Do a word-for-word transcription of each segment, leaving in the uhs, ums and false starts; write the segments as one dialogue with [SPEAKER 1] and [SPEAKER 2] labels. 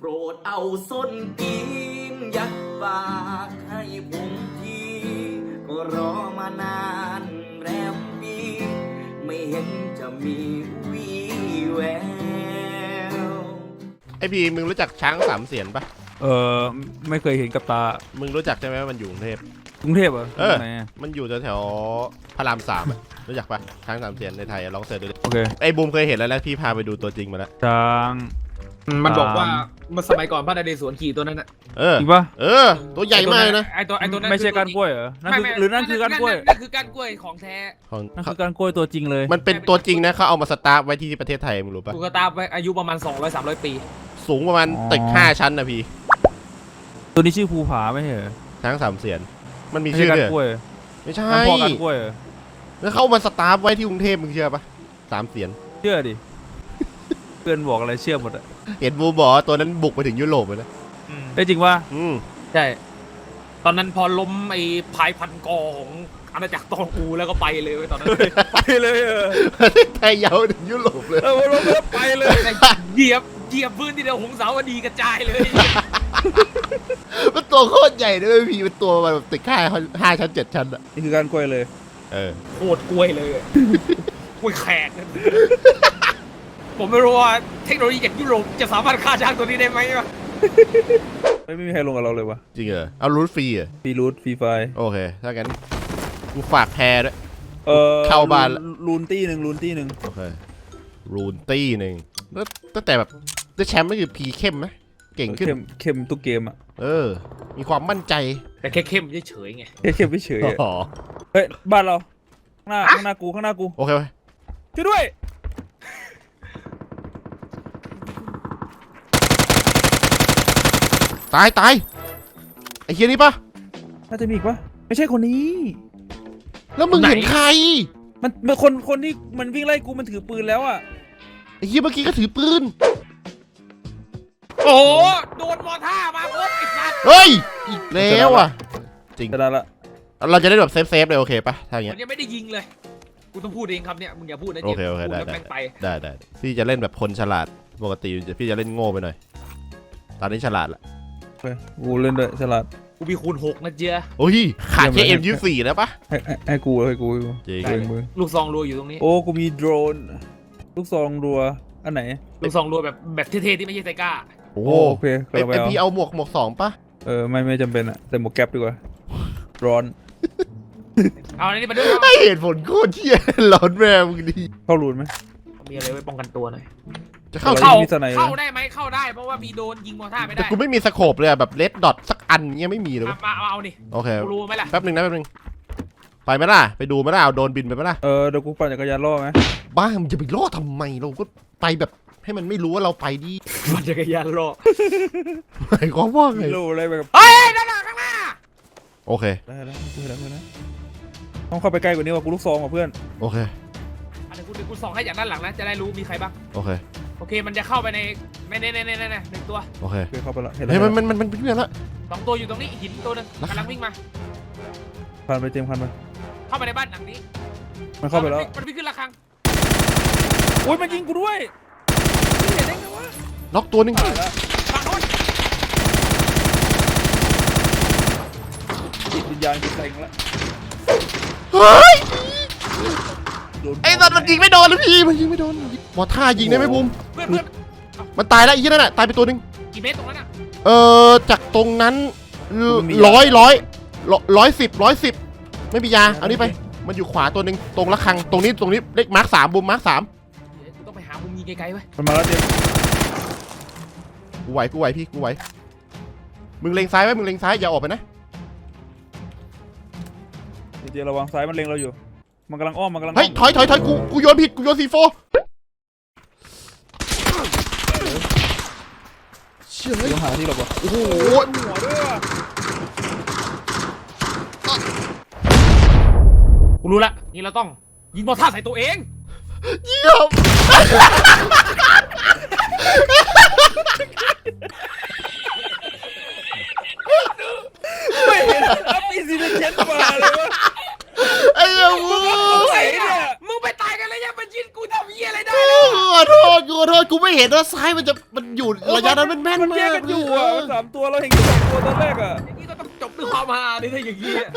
[SPEAKER 1] รดเอาส้นตีนยัดปากให้ผมทีก็รอมานานแรมปีไม่เห็นจะมีวี่แวว
[SPEAKER 2] ไอพีมึงรู้จักช้างสามเสียนปะ
[SPEAKER 3] เออไม่เคยเห็นกับตา
[SPEAKER 2] มึงรู้จักใช่ไหมว่ามันอยู่กรุงเทพ
[SPEAKER 3] กรุงเทพเหรอ
[SPEAKER 2] เออ
[SPEAKER 3] ไหนอะ
[SPEAKER 2] มันอยู่แถวๆพระรามสามอะรู้จักปะช้างสามเสียนในไทยอะลองเสิร์ชดูดิ
[SPEAKER 3] โอเค
[SPEAKER 2] ไอบูมเคยเห็นแล้วแล้วพี่พาไปดูตัวจริงมาแล้ว
[SPEAKER 3] ช้าง
[SPEAKER 4] มันบอกว่า
[SPEAKER 3] ตาม
[SPEAKER 4] เมื่อสมัยก่อนพระนเรศวรขี่ตัวนั้นน่ะ
[SPEAKER 2] เออ
[SPEAKER 3] จริงปะ
[SPEAKER 2] เออ ตัวใหญ่มากเลยนะ
[SPEAKER 4] ไอตัวไอตัวนั้น
[SPEAKER 3] ไม่ใช่
[SPEAKER 4] คือ
[SPEAKER 3] การกล้วยเหรอนั่น
[SPEAKER 4] ไม่
[SPEAKER 3] คือ
[SPEAKER 4] ไม่
[SPEAKER 3] หรือนั่นคือการกล้วย
[SPEAKER 4] นั่นคือการกล้วยของแท้
[SPEAKER 2] ของ
[SPEAKER 3] นั่นคือการกล้วยตัวจริงเลย
[SPEAKER 2] มันเป็นตัวจริงนะเขาเอามาสตาร์ฟไว้ที่ประเทศไทยมึงรู้ปะ
[SPEAKER 4] กูกระตาไปอายุประมาณสองร้อย สามร้อยปี
[SPEAKER 2] สูงประมาณตึกห้าชั้นนะพี่
[SPEAKER 3] ตัวนี้ชื่อภูผาไม่ใช่เหรอ
[SPEAKER 2] ช้างสามเสียนมันมี
[SPEAKER 3] ไม่
[SPEAKER 2] ชื่
[SPEAKER 3] ใช่
[SPEAKER 2] อ
[SPEAKER 3] การ
[SPEAKER 2] ด้วย
[SPEAKER 3] กล้วย
[SPEAKER 2] ไม่ใช่
[SPEAKER 3] นั่นพ่อการกล้วยเหรอ
[SPEAKER 2] แล้วเขาเอามาสตาร์ฟไว้ที่กรุงเทพมึงเชื่อปะสามเสียน
[SPEAKER 3] เชื่อดิเพื่อนบอกอะไรเชื่อหมดอะ
[SPEAKER 2] เห็นบูมบอกว่าตัวนั้นบุกไปถึงยุโรปเลยนะ
[SPEAKER 3] ได้จริงปะ
[SPEAKER 2] อืม
[SPEAKER 4] ใช่ ตอนนั้นพอล้มไอ้พายพันกอของอาณาจักรตองอูแล้วก็ไปเลยเว้ยตอนนั้น
[SPEAKER 3] ไปเลยเออ
[SPEAKER 2] ประเทศไทยยาวถึงยุโรปเลย
[SPEAKER 3] เออลงแล้วไปเลย
[SPEAKER 4] เหยียบเหยียบพื้นที่เดียวหงสาวดีกระจายเลย
[SPEAKER 2] มันตัวโคตรใหญ่ด้วยพี่เป็นตัวแบบตึกห้าห้าชั้นเจ็ดชั้นอะ
[SPEAKER 3] นี่คือการกล้วยเลย
[SPEAKER 2] เออ
[SPEAKER 4] โคตรกล้วยเลยกล้วยแขกเนี่ยผมไม่รู้ว่าเทคโนโลยีจากยุโรปจะสามารถฆ่าช้างตัวนี้ได้ไหมวะ
[SPEAKER 3] ไม่ไม่มีใครลงกับเราเลยวะ
[SPEAKER 2] จริงเหรอเอารูทฟรีเหรอ
[SPEAKER 3] ฟรีรูทฟรีไฟ
[SPEAKER 2] โอเคถ้างั้นกูฝากแพรด้วย
[SPEAKER 3] เออ
[SPEAKER 2] เข้าบ้าน
[SPEAKER 3] ลูนตี้หนึ่งลูนตี้หนึ่ง
[SPEAKER 2] โอเครูนตี้หนึ่งแล้วตั้งแต่แบบได้แชมป์ไม่คือพีเข้มไหมเก่งขึ้น
[SPEAKER 3] เข้มเข้มทุกเกมอ่ะ
[SPEAKER 2] เออ มีความมั่นใจ
[SPEAKER 4] แต่แค่เข้มเฉยๆไง
[SPEAKER 3] แค่เข้มไม่เฉยๆอะ
[SPEAKER 2] อ๋อ
[SPEAKER 3] เฮ้ยบ้านเราข้างหน้าข้างหน้ากูข้างหน้ากู
[SPEAKER 2] โอเคไหม
[SPEAKER 3] ช่วยด้วย
[SPEAKER 2] ตายตายไอ้เฮียนี่ปะ
[SPEAKER 3] น่าจะมีอีกปะไม่ใช่คนนี้
[SPEAKER 2] แล้วมึงเห็นใคร
[SPEAKER 3] มันมันคนคนที่มันวิ่งไล่กูมันถือปืนแล้วอ่ะ
[SPEAKER 2] ไอ้เฮียเมื่อกี้ก็ถือปืน
[SPEAKER 4] โอ้โหโดนมอท่ามาครบไอ้สัตว์
[SPEAKER 2] เฮ้ยอีกแล้วอ่ะจริง
[SPEAKER 3] จะได้ละ
[SPEAKER 2] เราจะได้แบบเซฟเซฟเลยโอเคปะถ้าอย่าง
[SPEAKER 4] มั
[SPEAKER 2] เงี้
[SPEAKER 4] น
[SPEAKER 2] ย
[SPEAKER 4] ยังไม่ได้ยิงเลยกูต้องพูดเองครับเนี่ยมึงอย่าพูดนะ
[SPEAKER 2] โอเคโอเค
[SPEAKER 4] พู
[SPEAKER 2] ได้
[SPEAKER 4] แล้ว
[SPEAKER 2] ได้
[SPEAKER 4] แม่งไป
[SPEAKER 2] ได้ได้พี่จะเล่นแบบคนฉลาดปกติพี่จะเล่นโง่ไปหน่อยตอนนี้ฉลาดละ
[SPEAKER 3] โอเคกูเล่นด้วยฉลาด
[SPEAKER 4] กูมีคูณหกนะเจ้า
[SPEAKER 2] โอ้ยขาดแค่
[SPEAKER 3] เยี่
[SPEAKER 2] เอ็
[SPEAKER 3] ย
[SPEAKER 2] ม
[SPEAKER 3] มเลย
[SPEAKER 2] ยูสี่แล้วปะ
[SPEAKER 3] ให้ให้ให้กูให้กูให้กู
[SPEAKER 2] จริง
[SPEAKER 3] เองมึง
[SPEAKER 4] ลูกซองรัวอยู่ตรงนี้
[SPEAKER 3] โอ้กูมีโดรนลูกซองรัวอันไหน
[SPEAKER 4] ลูกซองรัวแบบแบบเท่ๆที่ไม่ใช่ไซก้า
[SPEAKER 2] โอ้
[SPEAKER 3] โอเค
[SPEAKER 2] เอ็
[SPEAKER 3] กำลังไป
[SPEAKER 2] มพี
[SPEAKER 3] เอา
[SPEAKER 2] เอาหมวกหมวกสองปะ
[SPEAKER 3] เออไม่ไม่จำเป็นอะแต่หมวกแก๊ปดีกว่าร้อน
[SPEAKER 4] เอาอันนี้มาด้วย
[SPEAKER 2] ให้เหตุผลโคตรเที่ยร้อนแม่มึงดี
[SPEAKER 3] เข้ารูนไหม
[SPEAKER 4] มีอะไรไว้ป้องกันตัวหน่อย
[SPEAKER 2] จะเข้า
[SPEAKER 3] เข้า
[SPEAKER 4] เข้า
[SPEAKER 3] มีสไนเปอร์
[SPEAKER 4] เข้าได้ไหมเข้าได้เพราะว่ามีโดนยิงมอท่าไม่
[SPEAKER 2] แต่
[SPEAKER 4] ได้
[SPEAKER 2] กูไม่มีสโคปเลยอะแบบเลดดอทสักอันเงี้ยไม่มีเลย
[SPEAKER 4] เอา
[SPEAKER 2] เว้ย
[SPEAKER 4] มาเอาเอานี่
[SPEAKER 2] โอเค
[SPEAKER 4] กูรู้ไหมล่ะ
[SPEAKER 2] แป๊บหนึ่งนะแป๊บหนึ่งไปไหมล่ะไปดูไหมล่ะเอาโดรนบินไปไหมล่ะ
[SPEAKER 3] เออเดี๋ยวกูปั่นจักรยานล่อไหม
[SPEAKER 2] บ้ามึงจะไปล่อทำไมเราก็ไปแบบให้มันไม่รู้ว่าเราไปดิ
[SPEAKER 4] มันจักรยานรอ
[SPEAKER 2] หมายความว่าไง
[SPEAKER 3] ไม่รู้อะไรแบบ
[SPEAKER 4] เฮ้ยด้านหลังข้างหน้า
[SPEAKER 2] โอเค
[SPEAKER 3] ได้แล้วกูเห็นแล้วกูเห็นแล้วต้องเข้าไปใกล้กว่านี้ว่ะกูลูกซองว่ะเพื่อน
[SPEAKER 2] โอเค
[SPEAKER 4] อันนี้กูเดี๋ยวกูส่องให้จากด้านหลังนะจะได้รู้มีใครบ้าง
[SPEAKER 2] โอเค
[SPEAKER 4] โอเคมันจะเข้าไปในในในในในในในหนึ่งตัว
[SPEAKER 2] โอเค
[SPEAKER 3] โอเคเข้าไปแล้วเห็นแล้
[SPEAKER 2] เฮ้ยว มัน
[SPEAKER 3] เห็น
[SPEAKER 2] มันมันมันเพื่อนละ
[SPEAKER 4] สองตัวอยู่ตรงนี้หินตัวหนึง
[SPEAKER 2] แล้ว
[SPEAKER 4] กำลังวิ่งมา
[SPEAKER 3] ผ่านไปเต็มคันไป
[SPEAKER 4] เข้าไปในบ้านหลังนี้
[SPEAKER 3] มันเข้าไปแล้ว
[SPEAKER 4] มันวิ่งขึ้นระฆัง
[SPEAKER 3] โอ้ยมันยิงกูด้วยเห็นได้ไงวะ
[SPEAKER 2] น็อกตัวหนึ่ง
[SPEAKER 3] ตายแล้ว
[SPEAKER 4] ฝั่งโน้น
[SPEAKER 3] จิตวิญญาณกูเต็งแล้ว
[SPEAKER 2] เฮ้ย
[SPEAKER 3] โดน
[SPEAKER 2] ไอ้สัตว์มันยิงไม่โดนเลยพี่มันยิงไม่โดนหมอท่ายิงได้ไหมบูม
[SPEAKER 4] เพื่อนเพื่อน
[SPEAKER 2] มันตายแล้วไอ้ที่นั่นน่ะตายไปตัวหนึ่ง
[SPEAKER 4] กี่เมตรตรงนั้นอ่ะ
[SPEAKER 2] เอ่อจากตรงนั้นร้อยร้อยร้อยสิบร้อยสิบไม่มียาเอานี่ไปมันอยู่ขวาตัวหนึ่งตรงระฆังตรงนี้ตรงนี้เลขมาร์คสามบูมมาร์คสาม
[SPEAKER 4] เดี๋ยวกูต้องไปหามุมยิงไกลๆไว้
[SPEAKER 3] มันมาแล้วเจมส์
[SPEAKER 2] กูไหวกูไหวพี่กูไหวมึงเล็งซ้ายไว้มึงเล็งซ้ายอย่าออกไปนะ
[SPEAKER 3] เจมส์ระวังซ้ายมันเล็งเราอยู่มันกำลังอ้อมมันกำลัง
[SPEAKER 2] เฮ้ยถอยถอยถอยกูกูโยนผิดกูโยนซีโฟเชื่อ
[SPEAKER 3] ต้องหาที่หลบว่ะ
[SPEAKER 2] โอ้โห
[SPEAKER 3] หัวด้วยว่ะ
[SPEAKER 4] กูรู้ละนี่เราต้องยิงมอท่าใส่ตัวเอง
[SPEAKER 2] เยี่ยม
[SPEAKER 3] ไม่เห็นอัพอีซีเดนเชนมาเลยวะ
[SPEAKER 2] ไอ้เหี้ยวู
[SPEAKER 3] ไหนเนี่ย
[SPEAKER 4] มึงไปตายกันเลยยังมันยิงกูทำเหี้ยอะไรได้
[SPEAKER 2] ขอโทษกูขอโทษกูไม่เห็นว่าซ้ายมันจะมันอยู่ระยะนั้นมันแม่น
[SPEAKER 3] มัน
[SPEAKER 2] มาก
[SPEAKER 3] แยกกันอยู่อ่ะมันสามตัวเราเห็นแค่สองตัวตอนแรกอ่ะ
[SPEAKER 4] อย่างนี้ก็ต้องจบด้วยความฮาดิถ้าอย่างนี้อะ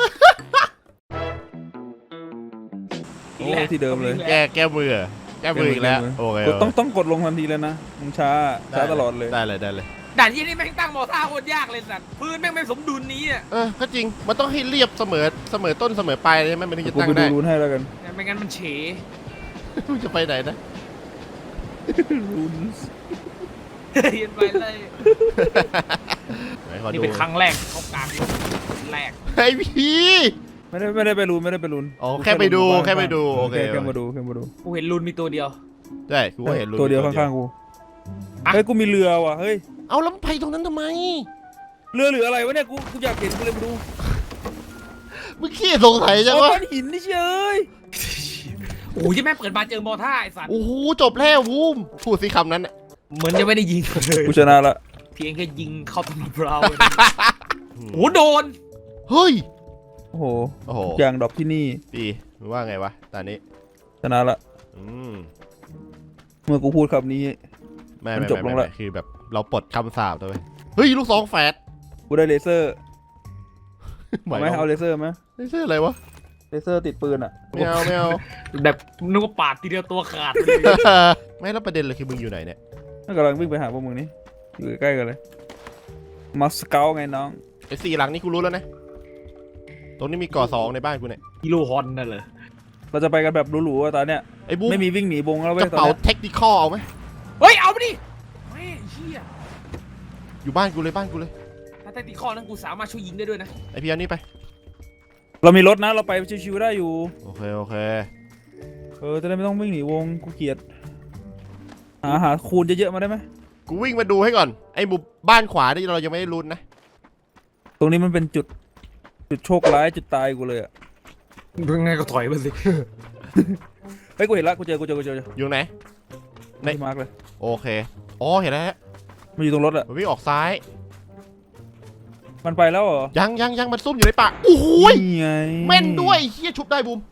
[SPEAKER 3] โอ้ที่เดิมเลย
[SPEAKER 2] แก้แก้มือแก้มืออีกแล้วโอเค
[SPEAKER 3] กดต้องต้องกดลงทันทีเลยนะมึงช้าช้าตลอดเลย
[SPEAKER 2] ได้เลยได้เลย
[SPEAKER 4] ด่านที่นี่แม่งตั้งมอท่าโคตรยากเลยสัตว์พื้นแม่งไม่สมดุลนี้อ่ะ
[SPEAKER 2] เออก็จริงมันต้องให้เรียบเสมอเสมอต้นเสมอปลายใช่ไหมมันถึงจะ
[SPEAKER 3] กู
[SPEAKER 2] ตั้ง
[SPEAKER 3] ไปดู
[SPEAKER 2] ได้
[SPEAKER 3] รูนให้แล้วกัน
[SPEAKER 4] ไม่งั้นมันเฉ
[SPEAKER 2] มึงจะไปไหนนะ
[SPEAKER 3] รูน
[SPEAKER 4] เรียนไปเลย
[SPEAKER 2] ไหนขอ
[SPEAKER 4] นี่
[SPEAKER 2] ดู
[SPEAKER 4] เป็นครั้งแรกเขากลางแรก
[SPEAKER 2] ไอ้พี่
[SPEAKER 3] ไม่ได้ไม่ได้ไปรูนไม่ได้ไปรูน
[SPEAKER 2] อ๋อแค่ไปดูแค่ไปดูโอเค
[SPEAKER 3] แค่มาดูแค่มาดู
[SPEAKER 4] กูเห็นรุนมีตัวเดียว
[SPEAKER 2] ได้กูก็เห็นรู
[SPEAKER 3] ตัวเดียวข้างๆกูเฮ้ยกูมีเรือว่ะเฮ้ย
[SPEAKER 2] เอาแล้วไปตรงนั้นทำไม
[SPEAKER 3] เรือหรืออะไรวะเนี่ยกูกูอยากเห็นกูเลยมาดู
[SPEAKER 2] มึงขี้สงสัยจัง
[SPEAKER 3] เอา
[SPEAKER 2] วะ
[SPEAKER 3] ก้อนหินนี่เชย
[SPEAKER 4] โอ้ยแม่งเปิดมาเจอมอท่าไอ้สัตว์
[SPEAKER 2] โอ้โหจบแล้ววูมพูดสิคำนั้นน่ะ
[SPEAKER 4] เหมือนจะไม่ได้ยิงเลย
[SPEAKER 3] กูชนะละ
[SPEAKER 4] เพียงแค่ยิงเข้าตำเราโอ้โดน
[SPEAKER 2] เฮ้ย
[SPEAKER 3] โอ้โห
[SPEAKER 2] โอ้โห
[SPEAKER 3] ยางดอกที่นี่
[SPEAKER 2] ดีมึงว่าไงวะตอนนี้
[SPEAKER 3] ชนะละ
[SPEAKER 2] อืม
[SPEAKER 3] เมื่อกูพูดคำนี้
[SPEAKER 2] ไม่
[SPEAKER 3] มัน
[SPEAKER 2] ไม่
[SPEAKER 3] จบ
[SPEAKER 2] ไม่
[SPEAKER 3] ลง
[SPEAKER 2] ไม่
[SPEAKER 3] ละ
[SPEAKER 2] คือแบบเราปลดคำสาปตัวเว้ยเฮ้ยลูกสองแฝด
[SPEAKER 3] กูได้เลเซอร์
[SPEAKER 2] หมาย
[SPEAKER 3] เอาไหม
[SPEAKER 2] ความ
[SPEAKER 3] เอาเลเซอร์ไหม
[SPEAKER 2] ไม่ใช่อะไรวะ
[SPEAKER 3] เลเซอร์ติดปืนอ่ะ
[SPEAKER 2] ไม่เอาไม่เอา
[SPEAKER 4] แบบนึกว่าปาดทีเดียวตัวขาดเลย
[SPEAKER 2] ไม่แล้วประเด็นเลยคือมึงอยู่ไหนเนี่ย
[SPEAKER 3] นั่นกำลังวิ่งไปหาพวกมึงนี่อยู่ใกล้ๆกันเลยมาสเกลไงน้อง
[SPEAKER 2] ไอ้สี่หลังนี่กูรู้แล้วนะตรงนี้มีก่อสองในบ้านกูเนี่ย
[SPEAKER 4] กิโลฮอนนั่นเลย
[SPEAKER 3] เราจะไปกันแบบหรูๆอะตอนเนี้ย
[SPEAKER 2] ไอ้บูม
[SPEAKER 3] ไม่มีวิ่งหนีวงแล้วเว้
[SPEAKER 2] ก
[SPEAKER 3] ย
[SPEAKER 2] ระ
[SPEAKER 3] ตอน
[SPEAKER 2] เป๋า
[SPEAKER 3] เนี้ย
[SPEAKER 2] เทคนิคอลเอาไหม
[SPEAKER 4] เฮ้ยเอาไปดิแม่เชี่ย
[SPEAKER 2] อยู่บ้านกูเลยบ้านกูเลย
[SPEAKER 4] ถ้าแต่ตีข้อนั้นกูสามารถช่วยยิงได้ด้วยนะ
[SPEAKER 2] ไอพี่เอานี่ไป
[SPEAKER 3] เรามีรถนะเราไปชิวๆได้อยู่
[SPEAKER 2] โอเคโอเค
[SPEAKER 3] เออจะได้ไม่ต้องวิ่งหนีวงกูเกลียดหาหาคูณเยอะๆมาได้ไหม
[SPEAKER 2] กูวิ่งมาดูให้ก่อนไอ้บุบบ้านขวานี่เรายังไม่ได้ลุ้นนะ
[SPEAKER 3] ตรงนี้มันเป็นจุดจุดโชคร้ายจุดตายกูเลยอะ
[SPEAKER 4] ยังไงก็ถอยมาสิ
[SPEAKER 3] เฮ้ยกูเห็นละกูเจอกูเจอกูเจอ
[SPEAKER 2] อยู่ไหน
[SPEAKER 3] ไม่
[SPEAKER 2] ใน
[SPEAKER 3] มาร์กเลย
[SPEAKER 2] โอเคอ๋อเห็นแล้วฮะ
[SPEAKER 3] มันอยู่ตรงรถอะ
[SPEAKER 2] มันวิ่งออกซ้าย
[SPEAKER 3] มันไปแล้วเหรอ
[SPEAKER 2] ยังยังยังมันซุ่มอยู่ในป่าโอ้โหย
[SPEAKER 3] นี่ไง
[SPEAKER 2] แม่นด้วยเฮียชุบได้บูม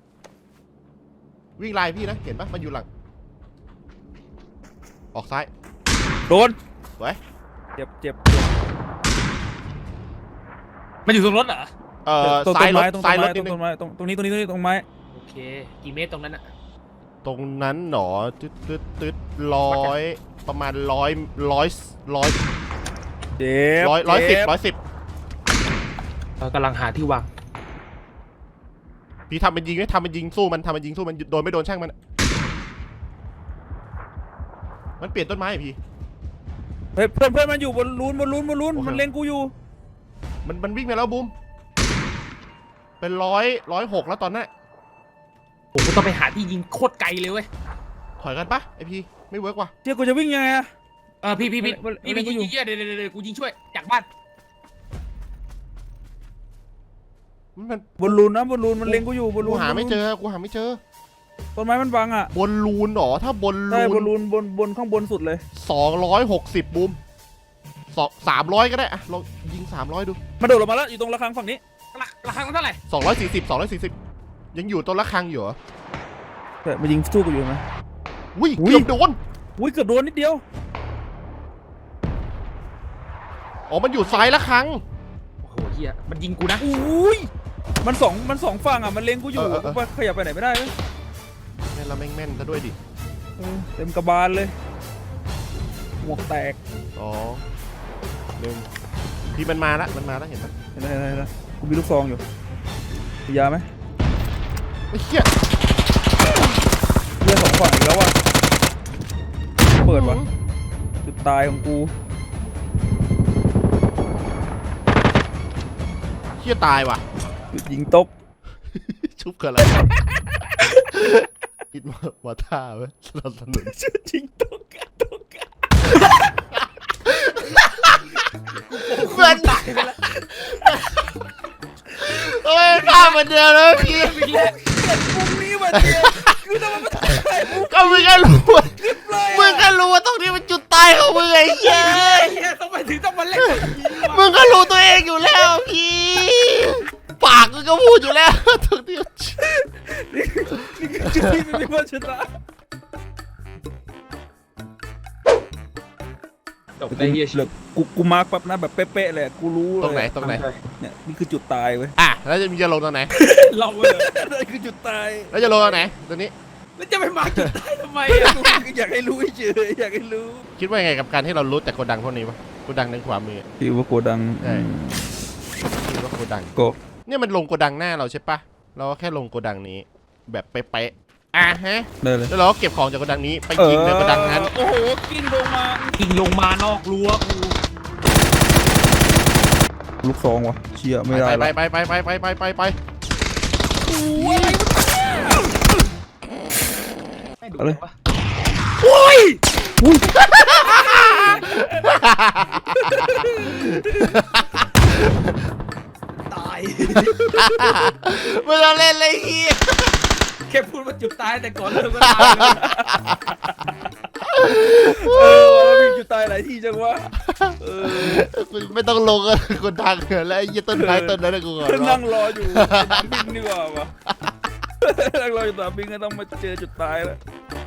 [SPEAKER 2] วิ่งไล่พี่นะเห็นปะมันอยู่หลังออกซ้าย
[SPEAKER 3] โดน
[SPEAKER 2] ไว้
[SPEAKER 3] เจ็บเจ็บ
[SPEAKER 4] มันอยู่ตรงรถเหรอ
[SPEAKER 2] เอ่อ
[SPEAKER 3] ตรง
[SPEAKER 2] ซ้ายรถ
[SPEAKER 3] ไม้ตรง
[SPEAKER 2] ซ้ายรถ
[SPEAKER 3] ต
[SPEAKER 2] นิ
[SPEAKER 3] ร
[SPEAKER 2] ด
[SPEAKER 3] ง
[SPEAKER 2] นึ
[SPEAKER 3] ต้
[SPEAKER 2] ง
[SPEAKER 3] นไม้ตรงตรงนี้ตรงนี้ตรงนี้ตรงไม้
[SPEAKER 4] โอเคกี่เมตรตรงนั้นอะ
[SPEAKER 2] ตรงนั้นหนอตึ๊ดตึ๊ดตึ๊ดร้อยประมาณร้อยร้อยร้อย
[SPEAKER 3] เจ็บ
[SPEAKER 2] ร้อยร้อยสิบ
[SPEAKER 3] เจ็
[SPEAKER 2] ร้อยสิบ
[SPEAKER 4] เรากำลังหาที่วาง
[SPEAKER 2] พี่ทำเป็นยิงไหมทำเป็นยิงสู้มันทำเป็นยิงสู้มันโดนไม่โดนช่างมัน มันเปลี่ยนต้นไม้อะพี่
[SPEAKER 3] เฮ้ยเพื่อนเพื่อนมันอยู่บนรูนบนรูนบนรูน
[SPEAKER 2] โอเค
[SPEAKER 3] มันเล็งกูอยู่
[SPEAKER 2] มันมันวิ่งไปแล้วบูมเป็นร้อยร้อยหกแล้วตอนนั้น
[SPEAKER 4] ผมก็ต้องไปหาที่ยิงโคตรไกลเลยเว้ย
[SPEAKER 2] ถอยกันปะไอพี่ไม่เวิร์กว่ะ
[SPEAKER 3] เจ้ากูจะวิ่งยังไงอะ
[SPEAKER 4] เออพี่พี่พี่
[SPEAKER 3] มัน
[SPEAKER 4] พี่
[SPEAKER 3] มัน
[SPEAKER 4] พี่
[SPEAKER 3] อยู่
[SPEAKER 4] ยิงเยอะเดี๋ยวเดี๋ยวเดี๋ยวกูยิงช่วยจากบ้าน
[SPEAKER 2] มันมัน
[SPEAKER 3] บนรูนนะบนรูนมันเล็งกูอยู่บนรู
[SPEAKER 2] กู
[SPEAKER 3] น
[SPEAKER 2] หาไม่เจอกูหาไม่เจอ
[SPEAKER 3] ต้นไม้มันบังอะ
[SPEAKER 2] บนรูนหรอถ้าบน
[SPEAKER 3] ใช่บ
[SPEAKER 2] รู
[SPEAKER 3] น
[SPEAKER 2] น
[SPEAKER 3] รูนบนบนข้างบนสุดเลย
[SPEAKER 2] สองร้อยหกสิบบูมสองสามร้อยก็ได้อะเรายิงสามร้อยดู
[SPEAKER 3] มาโดดลงมาแล้วอยู่ตรงระฆังฝั่งนี้
[SPEAKER 4] ราราคามันเท่าไหร่
[SPEAKER 2] สองร้อยสี่สิบสองร้อยสี่สิบยังอยู่ต้นละครังอยู่เหรอ
[SPEAKER 3] แต่มายิงสู้กูอยู่ไหม
[SPEAKER 2] อุ้ย
[SPEAKER 3] อุ้ย
[SPEAKER 2] เกือบโดน
[SPEAKER 3] อุ้ยเกือบโดนนิดเดียว
[SPEAKER 2] อ๋อมันอยู่ซ้ายละครัง
[SPEAKER 4] โอ้โหเฮียมันยิงกูนะ
[SPEAKER 3] อุ้ยมันสองมันสองฝั่งอะมันเล็งกูอยู่
[SPEAKER 2] เออเออเออ
[SPEAKER 3] กูไปขยับไปไหนไม่ได้เว้ย
[SPEAKER 2] แม่นละแม่งแม่นซะด้วยดิ
[SPEAKER 3] เออเต็มกระบาลเลยหมวกแตก
[SPEAKER 2] อ๋อหนึ่งพี่มันมาละมันมาละเห็นปะ
[SPEAKER 3] เห็นไหมเห็นไหมเห็นไหมกูมีลูกซองอยู่มียาไหม
[SPEAKER 2] ไอ้เหี้ย
[SPEAKER 3] เลือดสองฝั่งอีกแล้วว่ะเปิดวะจุดตายของกู
[SPEAKER 2] เหี้ยตายว่ะ
[SPEAKER 3] จุดยิงตก
[SPEAKER 2] ชุบกันอะไรคิดว่าว่าท่าไหมสนับสนุน
[SPEAKER 3] จุดยิงตกอะตกอะ
[SPEAKER 2] เพื่อนตายไปแล้วเฮ้ยท่าเหมือนเดิมเลยพี่
[SPEAKER 4] อีกแล้ว
[SPEAKER 3] มุมนี้มาเดียวคือทำไมไม่ถ่ายมุม
[SPEAKER 2] ก็มึงก็รู้ว่า
[SPEAKER 3] คลิปเลย
[SPEAKER 2] มึงก็รู้ว่าตรงนี้เป็นจุดตายของมึงไอ้เหี้ย
[SPEAKER 4] เฮียต้องไปถึงต้องมาเล่นอย่างนี้วะ
[SPEAKER 2] มึงก็รู้ตัวเองอยู่แล้วพี่ปากมึงก็พูดอยู่แล้วตรงนี้
[SPEAKER 3] นี่คือจุดที่ไม่มีวันชนะ
[SPEAKER 4] จบได้เฮีย
[SPEAKER 3] เหลือกูกูมาร์กปั๊บนะแบบเป๊ะๆเลยกูรู้เลย
[SPEAKER 2] ตรงไหนตรงไหน
[SPEAKER 3] เนี่ยนี่คือจุดตายเว้ย
[SPEAKER 2] อ่ะแล้วจะมีจะลงตรงไหน
[SPEAKER 4] เราเลย
[SPEAKER 3] นั่นคือจุดตาย
[SPEAKER 2] แล้วจะลงตรงไหนตรงนี้
[SPEAKER 4] แล้วจะไปมาจุดได้ทำไม
[SPEAKER 3] กู
[SPEAKER 4] อะ
[SPEAKER 3] อยากให้รู้เฉยอยากให้รู้
[SPEAKER 2] คิดว่าไงกับการที่เรารู้แต่โกดังพวกนี้วะโกดังในขวามือ
[SPEAKER 3] ที่ว่าโกดัง
[SPEAKER 2] ใช่ คิดว่าโกดัง
[SPEAKER 3] โก
[SPEAKER 2] เนี่ยมันลงโกดังหน้าเราใช่ปะเราก็แค่ลงโกดังนี้ แบบเป๊ะๆอ่ะฮะ
[SPEAKER 3] ได้เลย
[SPEAKER 2] แล้วเราก็เก็บของจากโกดังนี้ไปยิงในโกดังนั้น
[SPEAKER 3] โอ้โหกิ้งลงมา
[SPEAKER 4] ยิงลงมานอกรั้วกู
[SPEAKER 3] ลูกซองวะเชี่ยไม่ได้
[SPEAKER 2] ไป
[SPEAKER 3] ละ
[SPEAKER 2] ไปไปไปไปไปไปไป
[SPEAKER 3] อะไร
[SPEAKER 4] โอ้ยตาย
[SPEAKER 2] ไม่ต้องเล่นเลยเฮีย
[SPEAKER 4] แค่พูดว่าจุดตายแต่ก่อนเริ่มก็ตายเลย
[SPEAKER 3] เออมีจุดตายหลายที่จังวะเออ
[SPEAKER 2] ไม่ต้องลงกันโกดังแล้วไอ้ยี่ต้นไม้ต้นนั้นกูก่อน
[SPEAKER 3] นั่งรออยู่สนามบินดีกว่าวะนั่งรออยู่สนามบินก็ต้องมาเจอจุดตายแล้ว